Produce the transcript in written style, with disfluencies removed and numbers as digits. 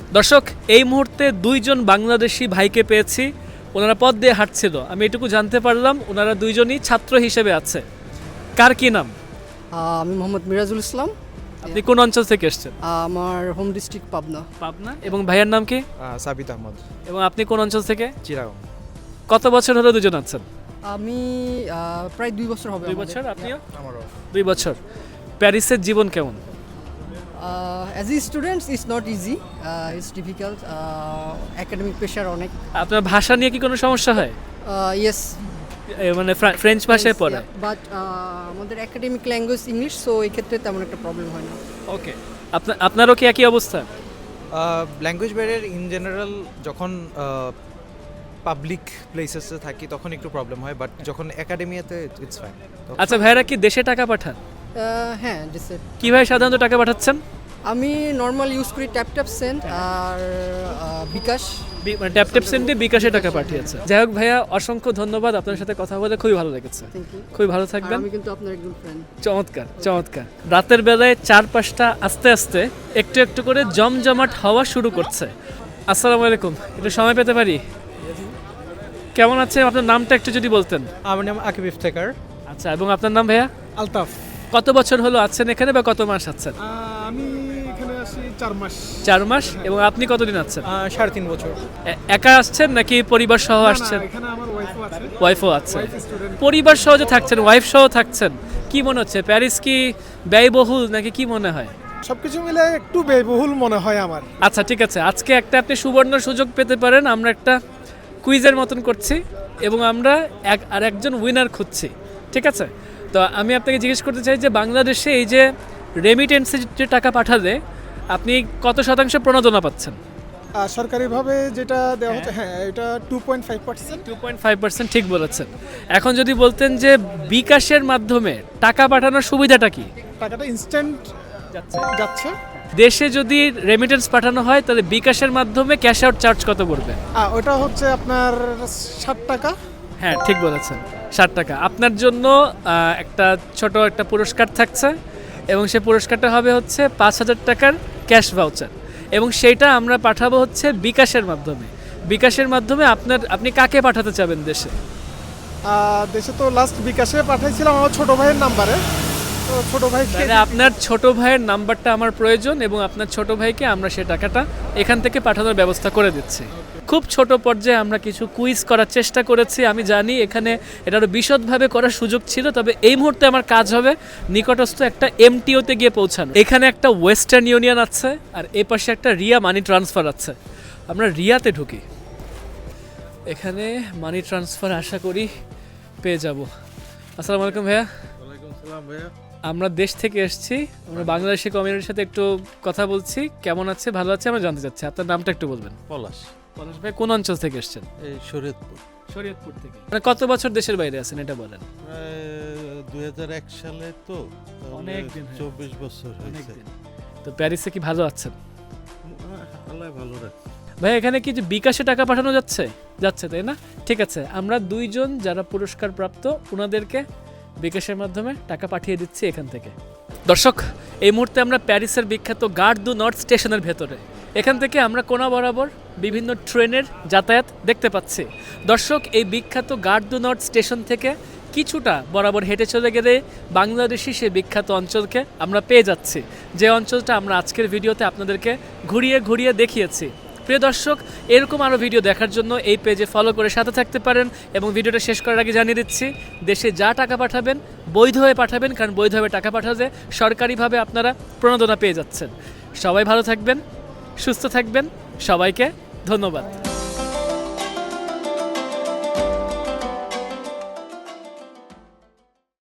দর্শক, এই মুহূর্তে দুইজন বাংলাদেশি ভাইকে পেয়েছি। ওনারা পথ দিয়ে হাঁটছিল, আমি এটুকু জানতে পারলাম ওনারা দুইজনই ছাত্র হিসেবে আছে। কার কি নাম? আমি মোহাম্মদ মিরাজুল ইসলাম। আপনি কোন অঞ্চল থেকে এসেছেন? আমার হোম ডিস্ট্রিক্ট পাবনা। পাবনা। এবং ভাইয়ের নাম কি? সাবিত আহমদ। এবং আপনি কোন অঞ্চল থেকে? চিরাগং। কত বছর হলো দুজন আছেন? আমি প্রায় 2 বছর হবে। 2 বছর। আপনিও? আমারও 2 বছর। প্যারিসের জীবন কেমন? As a students it's not easy, it's difficult, academic pressure অনেক। আপনার ভাষা নিয়ে কি কোনো সমস্যা হয়? ইয়েস, মানে ফ্রেঞ্চ ভাষায় পড়ে? বাট আমাদের একাডেমিক ল্যাঙ্গুয়েজ ইংলিশ, সো এই ক্ষেত্রে তেমন একটা প্রবলেম হয় না। ওকে। আপনারও কি একই অবস্থা? ল্যাঙ্গুয়েজ ব্যারিয়ার ইন জেনারেল যখন পাবলিক প্লেসেসে থাকি তখন একটু প্রবলেম হয়, বাট যখন একাডেমিয়াতে ইটস ফাইন। আচ্ছা, ভাইরা কি দেশে টাকা পাঠান? হ্যাঁ, ডিসে কিভাবে সাধারণত টাকা পাঠাচ্ছেন? আমি নর্মাল ইউজ করি ট্যাপ সেন্ড আর বিকাশ। মানে ট্যাপ সেন্ড দিয়ে বিকাশে টাকা পাঠিয়েছে। যাই হোক ভাইয়া, অসংখ্য ধন্যবাদ। আপনার সাথে কথা বলে খুবই ভালো লেগেছে। Thank you. খুবই ভালো থাকবেন। আমি কিন্তু আপনার একজন ফ্রেন্ড। চমৎকার চমৎকার। রাতের বেলায় চারপাশটা আস্তে আস্তে একটু একটু করে জমজমাট হওয়া শুরু করছে। আসসালামু আলাইকুম, একটু সময় পেতে পারি? কেমন আছে? আপনার নামটা একটু যদি বলতেন। আমার নাম আকিব ইফতেখার। আচ্ছা, এবং আপনার নাম ভাইয়া? আলতাফ। কত বছর হলো আছেন এখানে বা কত মাস আছেন? আমি এখানে আসি 4 মাস। 4 মাস। এবং আপনি কতদিন আছেন? 3.5 বছর। একা আসছেন নাকি পরিবার সহ আসছেন? এখানে আমার ওয়াইফও আছে। ওয়াইফও আছে। Wife student. পরিবার সহ যে থাকছেন, ওয়াইফ সহ থাকছেন, কি মনে হচ্ছে? প্যারিস কি ব্যয়বহুল নাকি কি মনে হয়? সবকিছু মিলে একটু ব্যয়বহুল মনে হয় আমার। আচ্ছা ঠিক আছে, আজকে একটা আপনি সুবর্ণ সুযোগ পেতে পারেন। আমরা একটা কুইজের মতন করছি এবং আমরা একজন উইনার খুঁজছি, ঠিক আছে? তো আমি আপনাকে জিজ্ঞেস করতে চাই যে বাংলাদেশে এই যে রেমিটেন্সে যে টাকা পাঠালে আপনি কত শতাংশ প্রণোদনা পাচ্ছেন? সরকারিভাবে যেটা দেওয়া হচ্ছে, হ্যাঁ, এটা 2.5%। 2.5%, ঠিক বলেছেন। এখন যদি বলতেন যে বিকাশের মাধ্যমে টাকা পাঠানোর সুবিধাটা কি? টাকাটা ইনস্ট্যান্ট যাচ্ছে। দেশে যদি রেমিটেন্স পাঠানো হয় তাহলে বিকাশের মাধ্যমে ক্যাশ আউট চার্জ কত পড়বে? ওটা হচ্ছে আপনার 60 টাকা। হ্যাঁ, ঠিক বলেছেন, 60 টাকা। আপনার জন্য একটা ছোট একটা পুরস্কার থাকছে এবং সেই পুরস্কারটা হবে হচ্ছে 5,000 টাকার ক্যাশ ভাউচার, এবং সেইটা আমরা পাঠাবো হচ্ছে বিকাশের মাধ্যমে। বিকাশের মাধ্যমে আপনি কাকে পাঠাতে চাবেন দেশে? দেশে তো লাস্ট বিকাশে পাঠাইছিলাম আমার ছোট ভাইয়ের নাম্বারে। তো ছোট ভাইকে, তাহলে আপনার ছোট ভাইয়ের নাম্বারটা আমার প্রয়োজন এবং আপনার ছোট ভাইকে আমরা সেই টাকাটা এখান থেকে পাঠানোর ব্যবস্থা করে দিচ্ছি। খুব ছোট পর্যায়ে আমরা কিছু কুইজ করার চেষ্টা করেছি। আমি জানি এখানে এটা আরও বিশদভাবে করার সুযোগ ছিল, তবে এই মুহূর্তে আমার কাজ হবে নিকটস্থ একটা এমটিওতে গিয়ে পৌঁছানো। এখানে একটা ওয়েস্টার্ন ইউনিয়ন আছে আর এ পাশে একটা রিয়া মানি ট্রান্সফার আছে। আমরা রিয়াতে ঢুকি। এখানে মানি ট্রান্সফার আশা করি পেয়ে যাব। আসসালামু আলাইকুম ভাইয়া। ওয়ালাইকুম সালাম ভাইয়া। আমরা দেশ থেকে এসেছি, আমরা বাংলাদেশি কমিউনিটির সাথে একটু কথা বলছি। কেমন আছে, ভালো আছে আমরা জানতে চাচ্ছি। আপনার নামটা একটু বলবেন? পলাশ। পলাশ ভাই, কোন অঞ্চল থেকে এসেছেন? এই শরীয়তপুর। শরীয়তপুর থেকে। মানে কত বছর দেশের বাইরে আছেন এটা বলেন? প্রায় 2001 সালে তো, অনেক দিন হয়ে 24 বছর হয়েছে। অনেকদিন। তো প্যারিসে কি ভালো আছেন? আল্লাহ ভালো রাখছে। ভাই এখানে কি যে বিকাশে টাকা পাঠানো যাচ্ছে তাই না? ঠিক আছে, আমরা দুইজন যারা পুরস্কার প্রাপ্ত ওনাদেরকে বিকাশের মাধ্যমে টাকা পাঠিয়ে দিচ্ছি এখান থেকে। দর্শক, এই মুহূর্তে আমরা প্যারিসের বিখ্যাত গার দু নর্থ স্টেশনের ভেতরে। এখান থেকে আমরা কোনা বরাবর বিভিন্ন ট্রেনের যাতায়াত দেখতে পাচ্ছি। দর্শক, এই বিখ্যাত গার দু নর্থ স্টেশন থেকে কিছুটা বরাবর হেঁটে চলে গেলে বাংলাদেশি সে বিখ্যাত অঞ্চলকে আমরা পেয়ে যাচ্ছি, যে অঞ্চলটা আমরা আজকের ভিডিওতে আপনাদেরকে ঘুরিয়ে ঘুরিয়ে দেখিয়েছি। প্রিয় দর্শক, এরকম আরও ভিডিও দেখার জন্য এই পেজে ফলো করে সাথে থাকতে পারেন। এবং ভিডিওটা শেষ করার আগে জানিয়ে দিচ্ছি, দেশে যা টাকা পাঠাবেন বৈধভাবে পাঠাবেন, কারণ বৈধভাবে টাকা পাঠালে সরকারিভাবে আপনারা প্রণোদনা পেয়ে যাচ্ছেন। সবাই ভালো থাকবেন, সুস্থ থাকবেন, সবাইকে ধন্যবাদ।